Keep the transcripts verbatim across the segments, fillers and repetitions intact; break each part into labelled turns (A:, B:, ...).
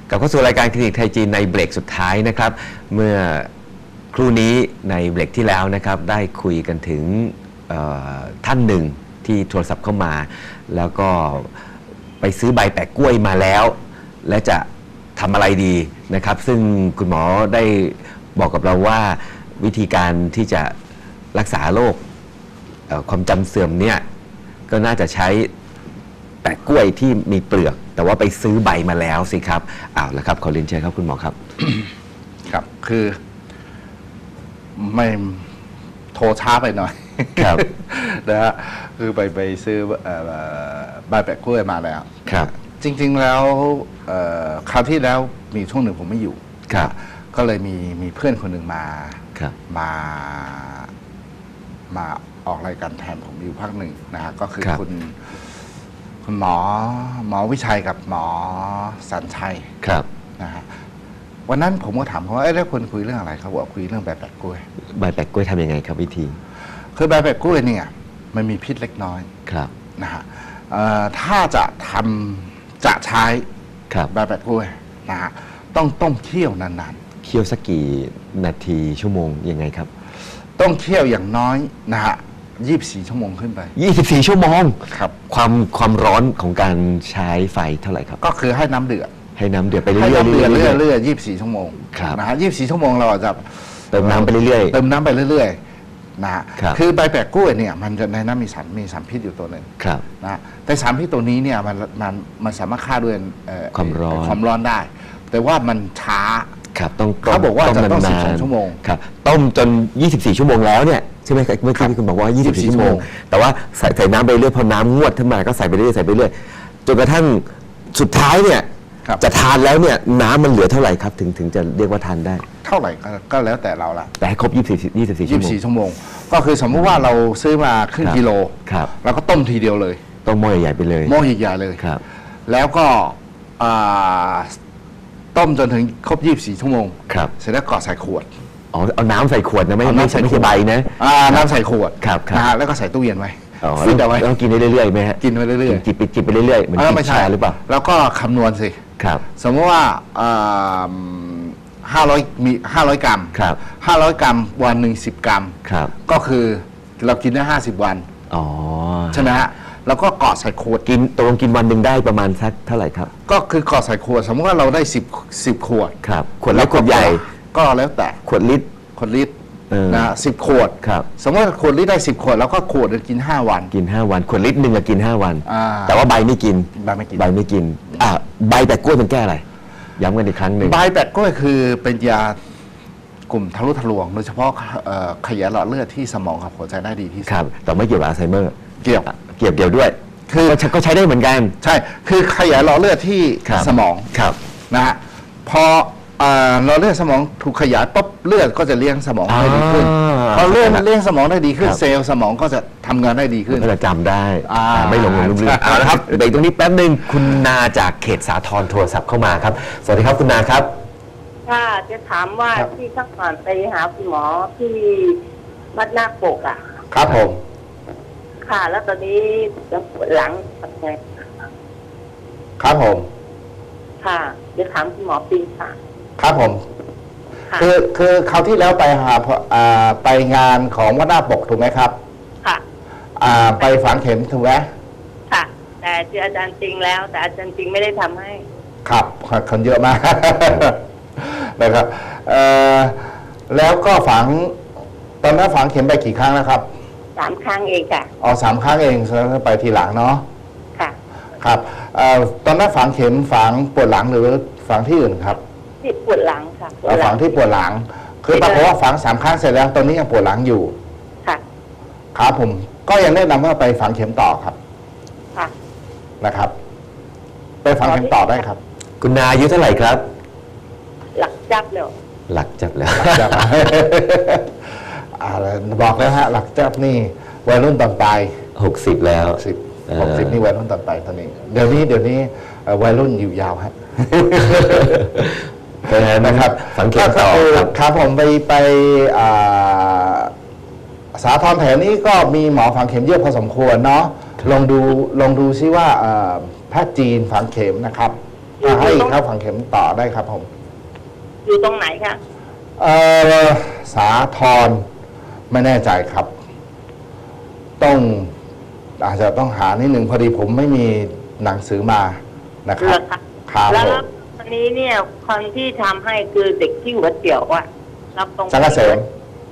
A: กลับเข้าสู่รายการคลินิกไทยจีนในเบรกสุดท้ายนะครับเมื่อครู่นี้ในเบรกที่แล้วนะครับได้คุยกันถึงท่านหนึ่งที่โทรศัพท์เข้ามาแล้วก็ไปซื้อใบแปะกล้วยมาแล้วและจะทำอะไรดีนะครับซึ่งคุณหมอได้บอกกับเราว่าวิธีการที่จะรักษาโรคความจำเสื่อมเนี่ยก็น่าจะใช้แปะกล้วยที่มีเปลือกแต่ว่าไปซื้อใบมาแล้วสิครับอ้าวแล้วครับขอเรียนเชิญครับคุณหมอครับ
B: ครับคือไม่โทรช้าไปหน่อย
A: ครับ
B: นะฮะคือไปไปซื้อใบแปะกล้วยมาแล้ว
A: ครับ
B: จริงๆแล้วคราวที่แล้วมีช่วงหนึ่งผมไม่อยู่
A: ครับ
B: ก็เลยมีมีเพื่อนคนหนึ่งมามามาออกรายการแทนผมอยู่พักหนึ่งนะฮะก็คือคุณคุณหมอหมอวิชัยกับหมอสัญชัย
A: ครับ
B: นะฮะวันนั้นผมก็ถามเขาว่าเอ๊ะแล้วคนคุยเรื่องอะไรเขาบอกคุยเรื่องใบแปะกล้วย
A: ใบแปะกล้วยทำยังไงครับวิธี
B: คือใบแปะกล้วยเนี่ยมันมีพิษเล็กน้อย
A: ครับ
B: นะฮะถ้าจะทำจะใช้ใบแปะกล้วยนะฮะต้องต้มเคี่ยวนาน
A: ๆเคี่ยวสักกี่นาทีชั่วโมงยังไงครับ
B: ต้องเคี่ยวอย่างน้อยนะฮะยี่สิบสี่ชั่วโมงขึ้นไป
A: ยี่สิบสี่ชั่วโมง
B: ครับ
A: ความความร้อนของการใช้ไฟเท่าไหร่ครับ
B: ก็คือให้น้ำเดือด
A: ให้น้ำเดือดไปเรื่อยๆ
B: เรื่อยๆเรื่อยๆยี่สิบสี่ชั่วโมง
A: ครับ
B: นะฮะยี่สิบสี่ชั่วโมงเราจะ
A: เติมน้ำไปเรื่อยๆ
B: เติมน้ำไปเรื่อยๆนะฮะคือใบแปะกล้วยเนี่ยมันจะในน้ำมีสารมีสารพิษอยู่ตัวหนึ่งนะแต่สารพิษตัวนี้เนี่ยมันมันมันสามารถฆ่าด้วย
A: ความร้อน
B: ความร้อนได้ แต่ว่ามันช้า
A: ครับต้อง
B: เขาบอกว่าจะต้องสิบสองชั่วโมง
A: ครับต้มจนยี่สิบสี่ชั่วโมงแล้วเนี่ยใช่ไหมเมื่อกี้คุณบอกว่ายี่สิบสี่ชั่วโมงแต่ว่าใส่ใส่น้ำไปเรื่อยพอน้ำงวดขึ้นมาก็ใส่ไปเรื่อยใส่ไปเรื่อยจนกระทั่งสุดท้ายเนี่ยจะทานแล้วเนี่ยน้ำมันเหลือเท่าไหร่ครับถึงถึงจะเรียกว่าทานได้
B: เท่าไหร่ก็แล้วแต่เราละ
A: แต่ให้ครบยี่สิบสี่ยี่สิบสี่
B: ชั่วโมงก็คือสมมติว่าเราซื้อมาครึ่งกิโลเราก็ต้มทีเดียวเลย
A: ต้มหม้อใหญ่ๆไปเลย
B: หม้อใหญ่ๆเลย
A: ครับ
B: แล้วก็ต้มจนถึงครบยี่สิบสี่ชั่วโมง
A: ครับ
B: เสร็จแล้วก็ใส่ขวด
A: อ๋อเอาน้ำใส่ขวดนะไม่ไม่ใช่ไม่ใช่ใบนะ
B: น้ำใส่ขวด
A: ครับ
B: นะฮะแล้วก็ใส่ตู้เย็นไว้
A: ฟิตเอาไว้ต้องกินเรื่อยๆไหมฮะ
B: กินไปเรื่อย
A: ๆจิบไปจิบไปเรื่อยๆเหมือนกินชาหรือเปล่า
B: แล้วก็คำนวณสิ
A: ครับ
B: สมมติว่าห้าร้อยมีห้าร้อยกรัม
A: ครับ
B: ห้าร้อยกรัมวันหนึ่งสิบกรัม
A: ครับ
B: ก็คือเรากินได้ห้าสิบวัน
A: อ๋อ
B: ใช่ไหมฮะแล้วก็กอดใส่ขวด
A: กินตกลงกินวันหนึ่งได้ประมาณสักเท่าไหร่ครับ
B: ก็คือกอดใส่ขวดสมมติว่าเราได้สิบสิบขวด
A: ครับขวดเล็กขวดใหญ่
B: ก็แล้วแต่
A: ขวดลิตร
B: ขวดลิตรนะสิบขวด
A: ครับ
B: สมมติว่าขวดลิตรได้สิบขวดแล้วก็ขวดจะกินห้าวัน
A: กินห้าวันขวดลิตรหนึ่งกินห้าวันแต่ว่าใบไม่กิน
B: ใบไม่กิน
A: ใบไม่กินอ่าใบแปะกล้วยมันแก้อะไรย้ำกันอีกครั้งหนึ่ง
B: ใบแปะกล้วยคือเป็นยากลุ่มทะลุทะลวงโดยเฉพาะขยายหลอดเลือดที่สมองกับหัวใจได้ดีที่สุด
A: ครับแต่ไม่เกี่ยวกับอัลไซเมอร์
B: เกี่ยว
A: เกี่ยวเกี่ยวด้วย
B: คือ
A: ก็ใช้ได้เหมือนกัน
B: ใช่คือขยายหลอดเลือดที่สมอง
A: ครับ
B: นะฮะพอหลอดเลือดสมองถูกขยายปุ๊บเลือดก็จะเลี้ยงสมองได้ดีขึ้นพอเลือดเลี้ยงสมองได้ดีขึ้นเซลล์สมองก็จะทำงานได้ดีขึ้น
A: ก็จะจำได้ไม่หลงลืมลืมเอาละครับเบรกตรงนี้แป๊บนึงคุณนาจากเขตสาทรโทรศัพท์เข้ามาครับสวัสดีครับคุณนาครับ
C: ค่ะจะถามว่าที่ข้างก่อนไปหาคุณหมอที่วัดนาคปกอ่ะ
B: ครับผม
C: ค่ะแล้วตอนนี้จะปวดหลังทำไง
B: ครับผม
C: ค่ะจะถามคุณหมอปีค่ะ
B: ครับผมคือคือคราวที่แล้วไปหาไปงานของวัดนาคปกถูกไหมครับ
C: ค่ะ
B: ไปฝังเข็มถูกไหม
C: ค่ะแต่เจออาจารย์จริงแล้วแต่อาจารย์จริงไม่ได้ทำให้
B: ครับคนเยอะมากนะครับแล้วก็ฝังตอนนั้นฝังเข็มไปกี่ครั้งนะครับ
C: สามครั้งเองค่ะ
B: อ๋อสามครั้งเองแล้วไปทีหลังเนาะ
C: ค่ะ
B: ครับตอนนั้นฝังเข็มฝังปวดหลังหรือฝังที่อื่นครับ
C: ที่ปวดหลังค่ะ
B: ฝังที่ปวดหลังคือปรากฏว่าฝังสามครั้งเสร็จแล้วตอนนี้ยังปวดหลังอยู่
C: ค่ะ
B: ครับผมก็ยังแนะนำว่าไปฝังเข็มต่อครับ
C: ค่ะ
B: นะครับไปฝังเข็มต่อได้ครับ
A: คุณนาอายุเท่าไหร่ครับ
C: หลักจับแล้ว
A: หลักจับแล้ว
B: บอกแล้วฮะหลักจับนี่วัยรุ่นตอนปลาย
A: หกสิบแล้ว
B: สิบหกสิบนี่วัยรุ่นตอนปลายตอนนี้เดี๋ยวนี้เดี๋ยวนี้วัยรุ่นอยู่ยาวฮะ
A: นะครับสังเกตต่อ
B: ครับผมไปไปสาธรแถวนี้ก็มีหมอฝังเข็มเยอะพอสมควรเนาะลองดูลองดูซิว่าแพทย์จีนฝังเข็มนะครับอ่าให้
C: ตรง
B: เข้าฝังเข็มต่อได้ครับผม
C: อยู่ตรงไหนคะ
B: เออสาทรไม่แน่ใจครับ ต้องอาจจะต้องหานิดหนึ่งพอดีผมไม่มีหนังสือมานะค
C: เห
B: รั
C: ร
B: บ
C: อคะ
B: ครับ
C: แล้ว
B: ผม
C: วันนี้เนี่ยคนที่ทำให้คือเด็กที่หัวเตี๋ยวอะรับตรง
B: จังเกษม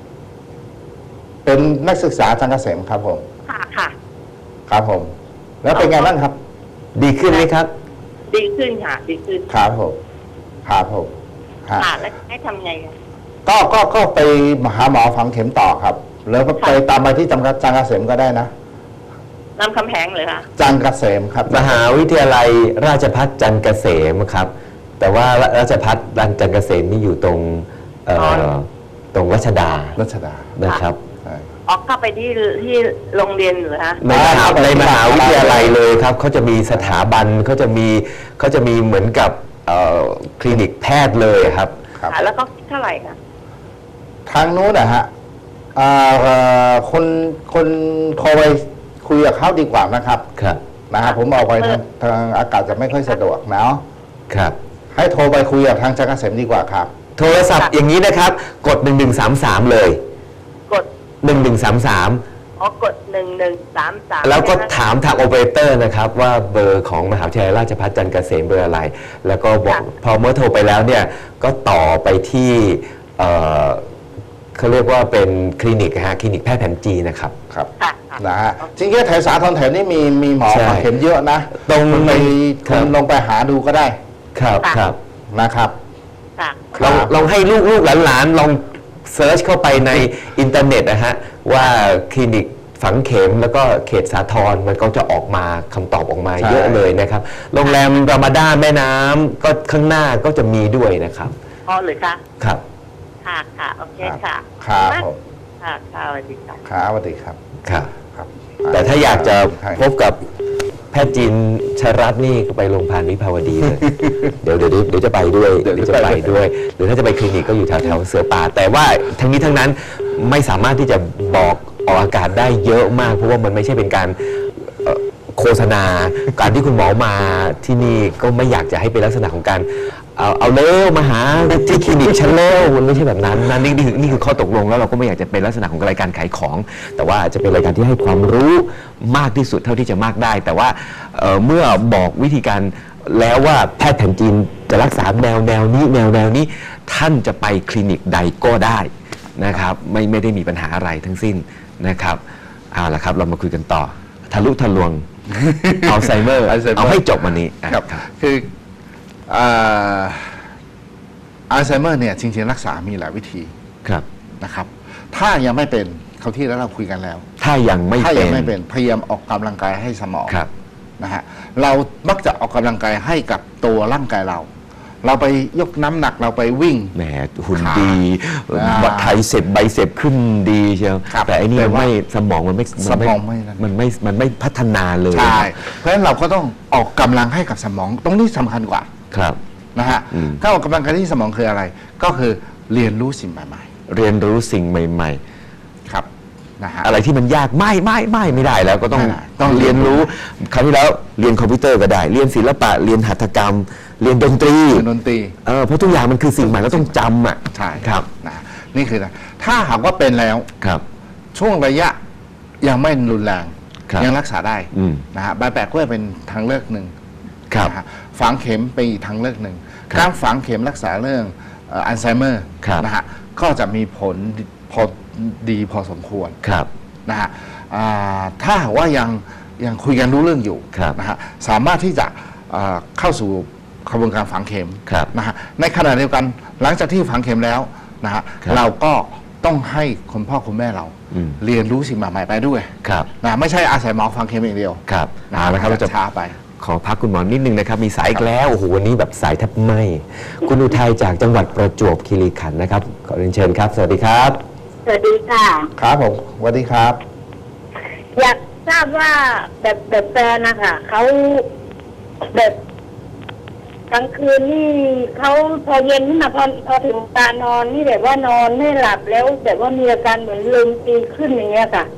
B: เป็นนักศึกษาจังเกษมครับผม
C: ค่ะค่ะ
B: ครับผม แล้วเป็นไงบ้างครับ
A: ดีขึ้นไหมครับ
C: ดีขึ้นค่ะดีขึ้น
B: ครับผมครับผมฮะ
C: ค่ะแล้วให้ทำไงอะ
B: ก็ก็ก็ไปหาหมอฝังเข็มต่อครับ แล้วก็ไปตามไปที่จังจังเกษมก็ได้นะ
C: นำคำแหงเลยค่ะ
B: จังเกษมครับ
A: มหาวิทยาลัยราชภัฏจันทร์เกษมครับ แต่ว่าราชภัฏจันทร์เกษมนี่อยู่ตรงเอ่อ
C: อ๋อ
A: ตรงรัชดา
B: รัชดา
A: นะครับ
B: ใช่
C: ออกเข้าไปที่ที่โรงเรียนเหรอคะ
A: ในมหาในมหาวิทยาลัยเลยครับเขาจะมีสถาบันเขาจะมีเขาจะมีเหมือนกับเอ่อคลินิกแพทย์เลยครับ
B: ครับ
C: ค่ะแล้วก็คิดเท่าไหร่คะ
B: ทางนู้นนะฮะอ่าเอ่อคนคนโทรไปคุยกับเขาดีกว่านะครับ
A: ครับ
B: นะฮะผมเอาไปทางทางอากาศจะไม่ค่อยสะดวกเนาะ
A: ครับ
B: ให้โทรไปคุยกับทางจังเกษมดีกว่าครับ
A: โทรศัพท์อย่างนี้นะครับ กดหนึ่งหนึ่งสามสามเลย
C: กด
A: หนึ่งหนึ่งสามสาม
C: อ๋อกดหนึ่งหนึ่งสามสาม
A: แล้วก็ถามทางโอเปอเรเตอร์นะครับว่าเบอร์ของมหาวิทยาลัยราชภัฏจันทร์เกษมเบอร์อะไร แล้วก็บอกพอเมื่อโทรไปแล้วเนี่ยก็ต่อไปที่เอ่อเขาเรียกว่าเป็นคลินิกฮะคลินิกแพทย์แผนจีนนะครับ
B: ครับ
C: ค่ะค่ะ
B: นะฮะจริงๆแถวสาทรแถวนี้มีมีหมอ
A: ใช่
B: ฝังเข็มเยอะนะ
A: ตรง
B: คุณไป
A: ครั
B: คุ
A: บ
B: ณลงไปหาดูก็ได้
A: ครับ
C: ค่ะ
A: ครับ
B: นะครับ
C: ค่ะ
B: ค
A: ล
B: รั
A: อง
B: บ
A: ลองให้ลูกลูกหลานๆลองเซิร์ชเข้าไปในอินเทอร์เน็ตนะฮะว่าคลินิกฝังเข็มแล้วก็เขตสาทรมันก็จะออกมาคำตอบออกมา
B: ใช่
A: เยอะเลยนะครับ โรงแรมรามาดาแม่น้ำก็ข้างหน้าก็จะมีด้วยนะครับ
C: พอหรือคะ
A: ครับ
C: ค่ะค่ะโอเคค่ะ
B: ครับผม
C: ค่ะค่ะสวัสดีค่ะ
B: ครับสวัสดีครับ
A: ครับ
B: ครับ
A: แต่ถ้าอยากจะ
B: ใช่
A: พบกับแพทย์จีนชรัตน์นี่ก็ไปโรงพยาบาลวิภาวดีเลย เดี๋ยวเดี๋ยวเดี๋ยวจะไปด้วยเดี๋ยวจะไปด้วย หรือถ้าจะไปคลินิกก็อยู่แถวแถวเสือป่า แต่ว่าทั้งนี้ทั้งนั้นไม่สามารถที่จะบอกออกอากาศได้เยอะมาก เพราะว่ามันไม่ใช่เป็นการเอ่อโฆษณา การที่คุณหมอมาที่นี่ก็ไม่อยากจะให้เป็นลักษณะของการเอาเอาเร็วมาหาที่คลินิกฉันเร็วมันไม่ใช่แบบนั้นนะนี่นี่คือนี่คือข้อตกลงแล้วเราก็ไม่อยากจะเป็นลักษณะของรายการขายของ แต่ว่าจะเป็นรายการที่ให้ความรู้มากที่สุดเท่าที่จะมากได้ แต่ว่าเอ่อเมื่อบอกวิธีการแล้วว่าแพทย์แผนจีนจะรักษาแนวแนวนี้แนวแนวนี้ท่านจะไปคลินิกใดก็ได้นะครับไม่ไม่ได้มีปัญหาอะไรทั้งสิ้นนะครับเอาละครับเรามาคุยกันต่อทะลุทะลวง อัลไซเมอร์
B: อัลไซเมอร์
A: เอาให้จบวันนี้อ่ะ
B: ครับคืออ่าอัลไซเมอร์เนี่ยจริงๆรักษามีหลายวิธี
A: ครับ
B: นะครับ ถ้ายังไม่เป็นเขาวที่แล้วเราคุยกันแล้ว
A: ถ้ายังไม่
B: ถ้า
A: เป็
B: ยั
A: น
B: ไม่เป็นพยายามออกกำลังกายให้สมอง
A: ครับ
B: นะฮะเรามักจะออกกำลังกายให้กับตัวร่างกายเรา เราไปยกน้ำหนักเราไปวิ่ง
A: แหมหุ่น
B: ขา
A: ดี
B: อ่า
A: บัตไทเสร็จใบเสร็จขึ้นดีเชียว
B: ครับ
A: แต่อันนี้
B: แต่
A: มัน
B: ว่า
A: ไม่สมองมันไม่
B: สมองไม่นั่น
A: มันไม่มันไม่พัฒนาเลย
B: ใช่ เพราะฉะนั้นเราก็ต้องออกกำลังให้กับสมองตรงนี้สำคัญกว่า
A: ครับ
B: นะฮะ
A: อืม
B: ถ้าออกกำลังกายที่สมองคืออะไร ก็คือเรียนรู้สิ่งใหม่
A: เรียนรู้สิ่งใหม่
B: ๆ ครับนะฮะ
A: ๆ อะไรที่มันยากไม่ไม่ไม่ไม่ได้แล้วก็ต้อง
B: ไม่ได้ต้อง
A: เรียนรู้คราวที่แล้วเรียนคอมพิวเตอร์ก็ได้ เรียนศิลปะเรียนหัตถกรรม เรียนดนตรี
B: เรียนดนตรี
A: เออเพราะทุกอย่างมันคือสิ่งใหม่เราต้องจำอ่ะ
B: ใช่
A: ครับ
B: นะนี่คือนะถ้าหากว่าเป็นแล้ว
A: ครับ
B: ช่วงระยะยังไม่รุนแรง
A: ครับ
B: ยังรักษาได้
A: อืม
B: นะฮะใบแปะกล้วยเป็นทางเลือกหนึ่ง
A: ครับ
B: นะฮะฝังเข็มเป็นอีกทางเลือกหนึ่ง
A: ครับ
B: การฝังเข็มรักษาเรื่องเอ่ออัลไซเมอร์
A: ครับ
B: นะฮะก็จะมีผลพอดีพอสมควร
A: ครับ
B: นะฮะอ่าถ้าหากว่ายังยังคุยกันรู้เรื่องอยู่
A: ครับ
B: นะฮะสามารถที่จะอ่าเข้าสู่กระบวนการฝังเข็ม
A: ครับ
B: นะฮะในขณะเดียวกันหลังจากที่ฝังเข็มแล้วนะฮะ
A: ครับ
B: เราก็ต้องให้คุณพ่อคุณแม่เรา
A: อืม
B: เรียนรู้สิ่งใหม่ๆไปด้วย
A: ครับ
B: นะไม่ใช่อาศัยหมอฝังเข็มอย่างเดียว
A: ครับ
B: นะ
A: เอาละครับเราจะ
B: ช้าไป
A: ขอพักคุณหมอนิดนึงนะครับ มีสายอีกแล้ว โอ้โห วันนี้แบบสายแทบไหมคุณอุทัยจากจังหวัดประจวบคีรีขันธ์นะครับ ขอเรียนเชิญครับ สวัสดีครับ
C: สวัสดีค่ะ
B: ครับผมสวัสดีครับ
C: อยากทราบว่าแบบแบบแฟนนะคะเขาแบบกลางคืนนี่เขาพอเย็นขึ้นมาพอพอถึงตานอนนี่แบบว่านอนไม่หลับแล้วแบบว่ามีอาการเหมือนลมตีขึ้นอย่างเงี้ยค่ะ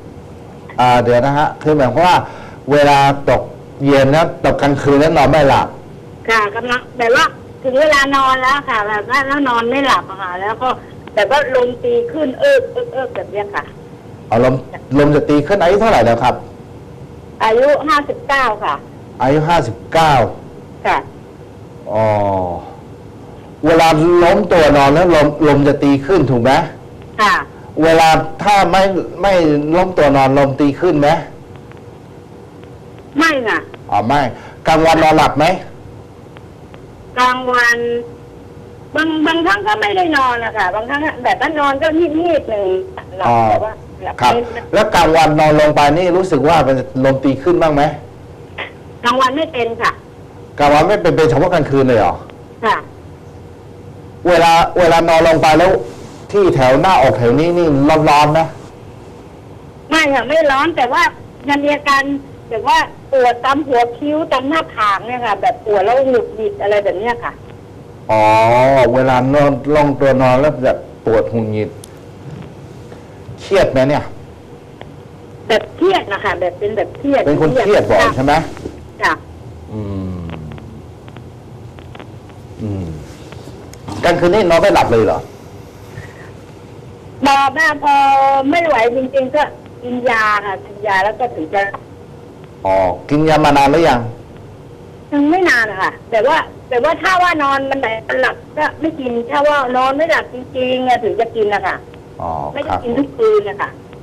B: อ่าเดี๋ยวนะฮะคือหมายความว่าเวลาตกเย็นนะตกกลางคืนแล้วนอนไม่หลับ
C: ค่ะกำลังแบบว่าถึงเวลานอนแล้วค่ะ แบบว่าแล้วนอนไม่หลับอะค่ะ แล้วก็แบบว่าลมตีขึ้นเอิบเอิบเอิบแบบเนี้ยค่ะ
B: เอาลมลมจะตีขึ้นอายุเท่าไหร่แล้วครับ
C: อายุห้าสิบเก้าค่ะ
B: อายุห้าสิบเก้า
C: ค่ะ
B: อ๋อเวลาล้มตัวนอนแล้วลมลมจะตีขึ้นถูกไหม
C: ค่ะ
B: เวลาถ้าไม่ไม่ล้มตัวนอนลมตีขึ้นไหม
C: ไม่ค่ะ
B: อ๋อไม่กลางวันนอนหลับไหม
C: กลางวันบางบางครั้งก็ไม่ได้นอนนะคะบางครั้งแบบว่านอนก็นิดๆหนึ่งหลับ
B: อ๋อ
C: แต่ว่าหลับ
B: ครับ
C: ไม่
B: แล้วกลางวันนอนลงไปนี่รู้สึกว่ามันลมตีขึ้นบ้างไหม
C: กลางวันไม่เป็นค่ะ
B: กลางวันไม่เป็นเป็นเฉพาะกลางคืนเลยเหรอ
C: ค่ะ
B: เวลาเวลานอนลงไปแล้วที่แถวหน้าอกแถวนี้นี่ร้อนๆนะ
C: ไม่ค่ะไม่ร้อนแต่ว่ามันมีอาการแบบว่าปวดตามหัวคิ้วตามหน้าผากเนี่ยค่ะ แบบปวดแล้วหงุดหงิดอะไรแบบเนี้ยค่ะ
B: อ๋อเวลานอนลงตัวนอนแล้วจะปวดหุนหงิดเครียดไหมเนี่ย
C: แบบเครียดนะคะแบบเป็นแบบเครียด
B: เป็นคนเครียดบ่อยใช่ไหม
C: ค่ะ
B: อืมอืมกลางคืนนี่นอนไม่หลับเลยเหรอ
C: บอกว่าพอไม่ไหวจริงๆก็กินยาค่ะกินยาแล้วก็ถึงจะ
B: อ๋อกินยามานานหรือยัง
C: ยังไม่นานนะคะแต่ว่า แต่ว่าถ้าว่านอนมันไหนหลับก็ไม่กินถ้าว่านอนไม่หลับจริงๆอะถึงจะกินนะคะ
B: อ๋อ
C: ไม่
B: ค
C: ได้
B: รับ
C: กินทุกคืนนะคะ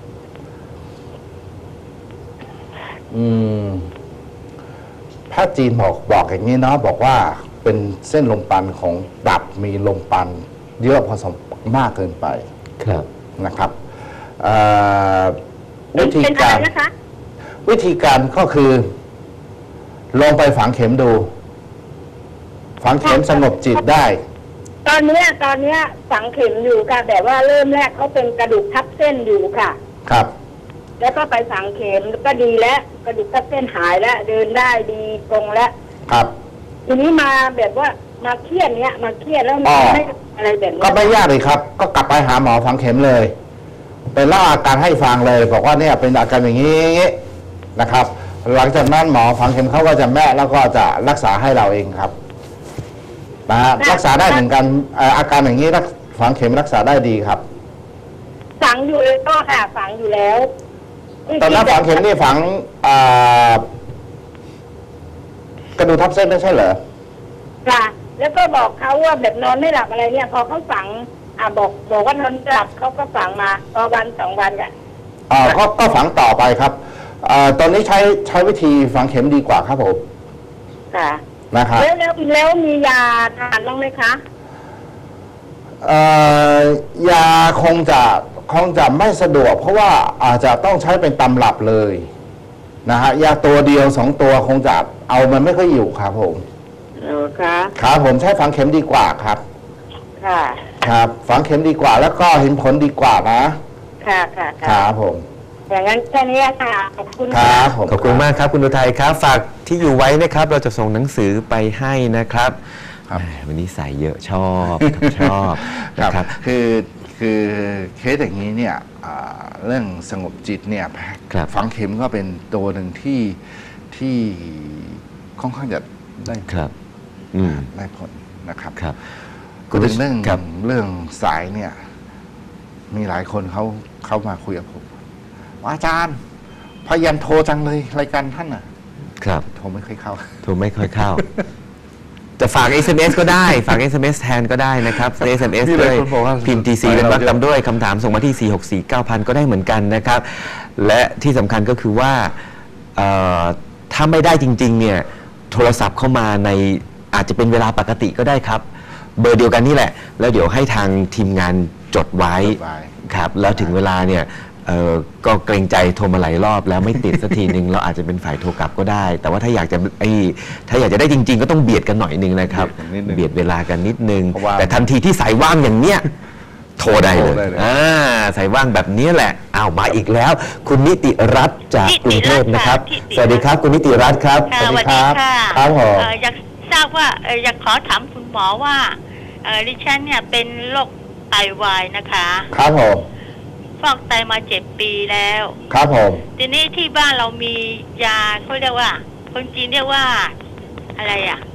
B: อืมแพทย์จีนบอกบอกอย่างนี้เนาะบอกว่าเป็นเส้นลมปราณของตับมีลมปราณเยอะพอสมมากเกินไป
A: ครับ
B: นะครับเอ่อ
C: เป็
B: วิ
C: น
B: ธี
C: เป็นอะ
B: การ
C: ไรนะคะ
B: วิธีการก็คือลองไปฝังเข็มดู ฝังเข็มสงบจิตได้
C: ตอนเนี้ยตอนเนี้ยฝังเข็มอยู่ค่ะแต่ว่าเริ่มแรกเขาเป็นกระดูกทับเส้นอยู่ค่ะ
B: ครับ
C: แล้วก็ไปฝังเข็มก็ดีแล้วกระดูกทับเส้นหายแล้วเดินได้ดีตรงแล้ว
B: ครับ
C: ทีนี้มาแบบว่ามาเครียดเนี้ยมาเครียดแล้ว
B: อ๋
C: มัน
B: อ
C: ไม่อะไรแบบนี้
B: ก็ไม่ยากเลยครับ ก็กลับไปหาหมอฝังเข็มเลยไปเล่าอาการให้ฟังเลยบอกว่าเนี่ยเป็นอาการอย่างนี้นะครับ หลังจากนั้นหมอฝังเข็มเขาก็จะแม่แล้วก็จะรักษาให้เราเองครับนะฮะรักษาได้เหมือนกันเอ่ออาการอย่างนี้รักฝังเข็มรักษาได้ดีครับ
C: ฝังอยู่เลยก็ค่ะฝังอยู่แล้ว
B: ตอนนั้นฝังเข็มนี่ฝังอ่ากระดูกทับเส้นไม่ใช่เหรอ
C: ค่ะ แล้วก็บอกเขาว่าแบบนอนไม่หลับอะไรเนี่ย พอเขาฝัง อ่าบอกบอกว่านอนไม่หลับเขาก็ฝังมาพอวันสองวันอ่ะ
B: อ่าก็ก็ฝังต่อไปครับอ่าตอนนี้ใช้ใช้วิธีฝังเข็มดีกว่าครับผม
C: ค่ะ
B: นะครับ
C: แล้วแล้วแล้วมียาทานบ้างไหมคะ
B: เอ่อยาคงจะคงจะไม่สะดวก เพราะว่าอาจจะต้องใช้เป็นตำรับเลยนะฮะยาตัวเดียวสองตัวคงจะเอามันไม่ค่อยอยู่ครับผม
C: เออคะ
B: ครับผมใช้ฝังเข็มดีกว่าครับ
C: ค่ะ
B: ครับฝังเข็มดีกว่า แล้วก็เห็นผลดีกว่านะ
C: ค่ะค่ะ
B: ค
C: ค่ะ
B: รับผม
C: อย่างนั้นแค่นี้ค่ะขอบคุณ
B: ค
C: ค่ะ
B: รับผม
A: ขอบคุณมากครับคุณอุทัยครับ ฝากที่อยู่ไว้นะครับ เราจะส่งหนังสือไปให้นะครับ
B: ครับ
A: แหมวันนี้ใส่เยอะชอบชอบ
B: ครั
A: นะครับ
B: คือคือเคสอย่างนี้เนี่ยอ่าเรื่องสงบจิตเนี่ย
A: ครับ
B: ฝังเข็มก็เป็นตัวหนึ่งที่ที่ค่อนข้างจะได้
A: ครับ อืม
B: ได้ผลนะครับ
A: ครับ
B: พูดถึงเรื่อง
A: ครับ
B: เรื่องสายเนี่ย มีหลายคนเขาเขามาคุยกับผมว่าอาจารย์พยายามโทรจังเลยรายการท่านอ่ะ
A: ครับ
B: โทรไม่ค่อยเข้า
A: โทรไม่ค่อยเข้า จะฝาก เอส เอ็ม เอส ก็ได้ ฝาก เอส เอ็ม เอส แทนก็ได้นะครับ เอส เอ็ม เอส
B: นี่เล
A: ด้วย ย
B: คนบอกว่า
A: พิมพ์ ที ซี เป็นวรรคตามด้วยคำถามส่งมาที่ สี่ หก สี่ เก้า พัน ก็ได้เหมือนกันนะครับ และที่สำคัญก็คือว่าเอ่อถ้าไม่ได้จริง ๆ เนี่ย โทรศัพท์เข้ามาในอาจจะเป็นเวลาปกติก็ได้ครับ เบอร์เดียวกันนี่แหละ แล้วเดี๋ยวให้ทางทีมงานจดไว้
B: จดไว้
A: ครับ แล้วถึงเวลาเนี่ยเอ่อก็เกรงใจโทรมาหลายรอบแล้วไม่ติดสักทีหนึ่ง เราอาจจะเป็นฝ่ายโทรกลับก็ได้ แต่ว่าถ้าอยากจะไอ้ถ้าอยากจะได้จริง ๆ ก็ต้องเบียดกันหน่อยหนึงนะครับ
B: เบียดกันนิดนึง
A: เบียดเวลากันนิดนึง
B: เพราะว่า
A: แต่ทันทีที่สายว่างอย่างเนี้ยโทรได้เลย
B: โทรได้เลย
A: อ่าสายว่างแบบนี้แหละอ้าวมาอีกแล้ว คุณนิติรัตน์จากกรุงเทพนะครับ
D: นิติรัตน์ค่ะ
A: สวัสดีครับ คุณนิติรัตน์ครับ
D: ค่ะ
B: ส
D: ส
B: วั
D: วั
B: ส
D: ส
B: ดี
D: ดี
B: ครับ
D: ค่ะ
B: ครับผม
D: เอ่ออยากทราบว่าเอ่ออยากขอถามคุณหมอว่าเอ่อดิฉันเนี่ยเป็นโรคไตวายนะคะ
B: ครับผม
D: ฟอกไตมาเจ็ดปีแล้ว
B: ครับผม
D: ทีนี้ที่บ้านเรามียาเขาเรียกว่า คนจีนเรียกว่าอะไรอ่ะ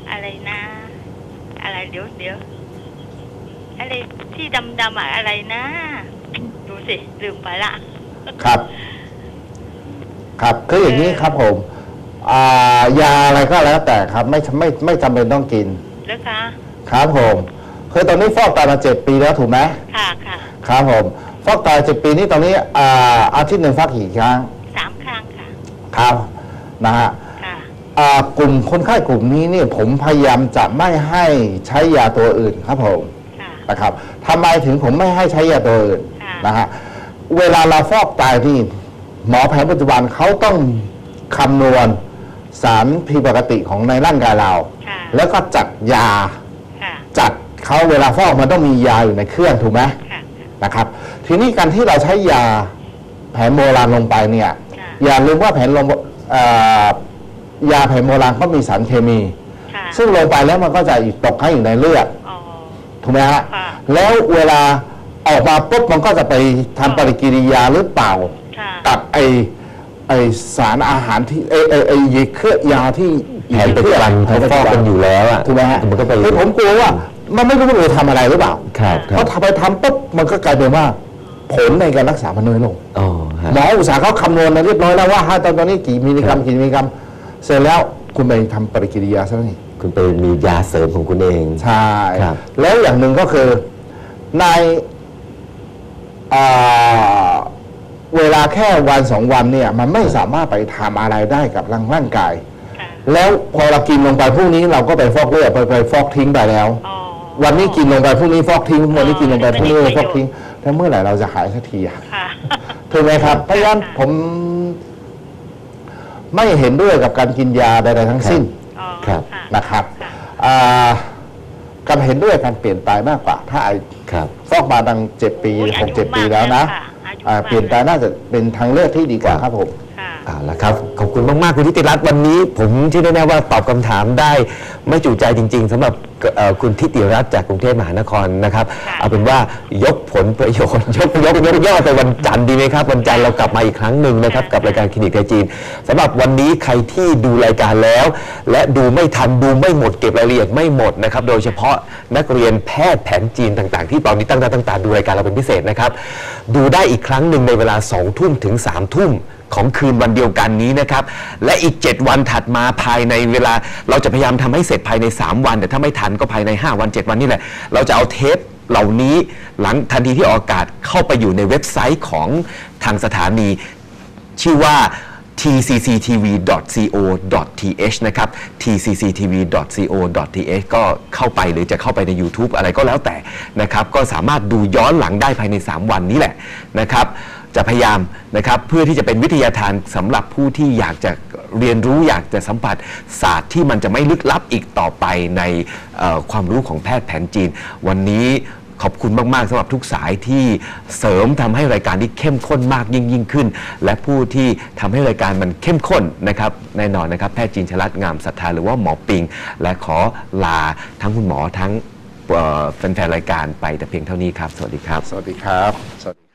D: อะไรนะ อะไรเดี๋ยวเดี๋ยวอะไรที่ดำๆอะอะไรนะ ดูสิลืมไปละ
B: ครับ ครับคืออย่างนี้ครับผมอ่ายาอะไรก็แล้วแต่ครับ ไม่ไม่ไม่จำเป็นต้องกิน
D: แล้วคะ
B: ครับผมคือตอนนี้ฟอกไตมาเจ็ดปีแล้วถูกไหม
D: ค่ะค่ะ
B: ครับผมฟอกไตเจ็ดปีนี้ตอนนี้อ่าอาทิตย์หนึ่งฟอกกี่ครั้ง
D: สามครั้งค่ะ
B: ครับนะฮะ
D: ค่ะ
B: อ่ากลุ่มคนไข้กลุ่มนี้เนี่ยผมพยายามจะไม่ให้ใช้ยาตัวอื่นครับผม
D: ค่ะ
B: นะครับทำไมถึงผมไม่ให้ใช้ยาตัวอื่น
D: ค่ะ
B: นะฮะเวลาเราฟอกไตนี่หมอแผนปัจจุบันเขาต้องคำนวณสารผิดปกติของในร่างกายเรา
D: ค่ะ
B: แล้วก็จัดยา
D: ค่ะ
B: จัดเขาเวลาฟอกมันต้องมียาอยู่ในเครื่องถูกไหม
D: ค่ะ
B: นะครับ ทีนี้การที่เราใช้ยาแผนโบราณลงไปเนี่ย
D: ค่ะ
B: อย่าลืมว่าแผนลงเอ่อยาแผนโบราณก็มีสารเคมี
D: ค่ะ
B: ซึ่งลงไปแล้วมันก็จะตกค้างอยู่ในเลือด
D: อ๋อ
B: ถูกไหมฮะ
D: ค่ะ
B: แล้วเวลาออกมาปุ๊บมันก็จะไปทำปฏิกิริยาหรือเปล่า
D: ค่ะ
B: กับไอไอสารอาหารที่ไอไอไอเครือยาที่
A: แผนปัจจุบันเขาฟอกกันอยู่แล้วอะ
B: ถูกไหมฮะ
A: มันก็ไป
B: คือผมกลัวว่ามันไม่รู้ว่าจะทำอะไรหรือเปล่า
A: ครับค
B: เพ
A: รับ
B: ราะทำไปทำปุ๊บมันก็กลายเป็นว่าผลในการรักษามันน้อยลง
A: อ๋อฮะ
B: หมออุตสาห์เขาคำนวณมาเรียบร้อยแล้วว่าถ้าตอนนี้กี่มิลลิกรัมกี่มิลลิกรัมเสร็จแล้วคุณไปทำปฏิกิริยาซะนี่
A: คุณไปมียาเสริมของคุณเอง
B: ใช่
A: ครับ
B: แล้วอย่างหนึ่งก็คือในอ่าเวลาแค่วันสองวันเนี่ย มันไม่สามารถไปทำอะไรได้กับร่างร่างกาย
D: ค่ะ
B: แล้วพอเรากินลงไปพรุ่งนี้เราก็ไปฟอกเลือดไปไปฟอกทิ้งไปแล้ว
D: อ๋อ
B: วันนี้กินลงไปพรุ่งนี้ฟอกทิ้งวันนี้กินลงไปพรุ่งนี้
D: ไม่ได้
B: ฟอกทิ้งแล้วเมื่อไหร่เราจะหายสักทีอะ
D: ค่ะ
B: ถูกไหมครับ เพราะฉะนั้นผม ไม่เห็นด้วยกับการกินยาใดๆทั้งสิ้น
D: อ๋อ
A: ครับ
D: ะ
B: นะครับ
D: ค่ะ
B: อ่าการเห็นด้วยการเปลี่ยนตายมากกว่า ถ้าไอ้
A: ครับ
B: ฟอกมาดังเจ็ดปี
D: อุ๊ย
B: หกเจ็ด
D: อายุ
B: ปีแล้วนะ
D: มากแล้วค่ะอายุ
B: อ่าม
D: าก
B: เปลี่ยนตายน่าจะเป็นทางเลือกที่ดีกว่าครับผม
D: ค่ะ
A: เอาละครับ ขอบคุณมาก ๆ คุณทิติรัตน์วันนี้ผมเชื่อแน่ๆว่าตอบคำถามได้ไม่จุใจจริง ๆสำหรับเอ่อคุณทิติรัตน์จากกรุงเทพมหานครนะครับ
D: ค่ะ
A: เอาเป็นว่ายกผลประโยชน์ ยกยกยกยอดไปวันจันทร์ดีไหมครับ วันจันทร์เรากลับมาอีกครั้งหนึ่งนะครับกับรายการคลินิกไทยจีนสำหรับวันนี้ใครที่ดูรายการแล้ว และดูไม่ทันดูไม่หมดเก็บรายละเอียดไม่หมดนะครับโดยเฉพาะนักเรียนแพทย์แผนจีนต่างๆ ที่ตอนนี้ตั้งตาตั้งตาดูรายการเราเป็นพิเศษนะครับดูได้อีกครั้งหนึ่งในเวลาสองทุ่มถึงสามทุ่มของคืนวันเดียวกันนี้นะครับและอีกเจ็ดวันถัดมาภายในเวลาเราจะพยายามทำให้เสร็จภายในสามวันแต่ถ้าไม่ทันก็ภายในห้าวันเจ็ดวันนี่แหละเราจะเอาเทปเหล่านี้หลังทันทีที่ออกอากาศเข้าไปอยู่ในเว็บไซต์ของทางสถานีชื่อว่า ที ซี ซี ที วี ดอท ซี โอ ดอท ที เอช นะครับ ที ซี ซี ที วี ดอท ซี โอ ดอท ที เอช ก็เข้าไปหรือจะเข้าไปใน YouTube อะไรก็แล้วแต่นะครับก็สามารถดูย้อนหลังได้ภายในสามวันนี้แหละนะครับจะพยายามนะครับเพื่อที่จะเป็นวิทยาทานสำหรับผู้ที่อยากจะเรียนรู้อยากจะสัมผัสศาสตร์ที่มันจะไม่ลึกลับอีกต่อไปในเอ่อความรู้ของแพทย์แผนจีนวันนี้ขอบคุณมาก ๆสำหรับทุกสายที่เสริมทำให้รายการที่เข้มข้นมากยิ่งยิ่งขึ้น และผู้ที่ทำให้รายการมันเข้มข้นนะครับแน่นอนนะครับแพทย์จีนชลัดงามศรัทธาหรือว่าหมอปิง และขอลาทั้งคุณหมอทั้งเอ่อแฟนๆรายการไปแต่เพียงเท่านี้ครับสวัสดีครับ
B: สวัสดีครับสวัสดี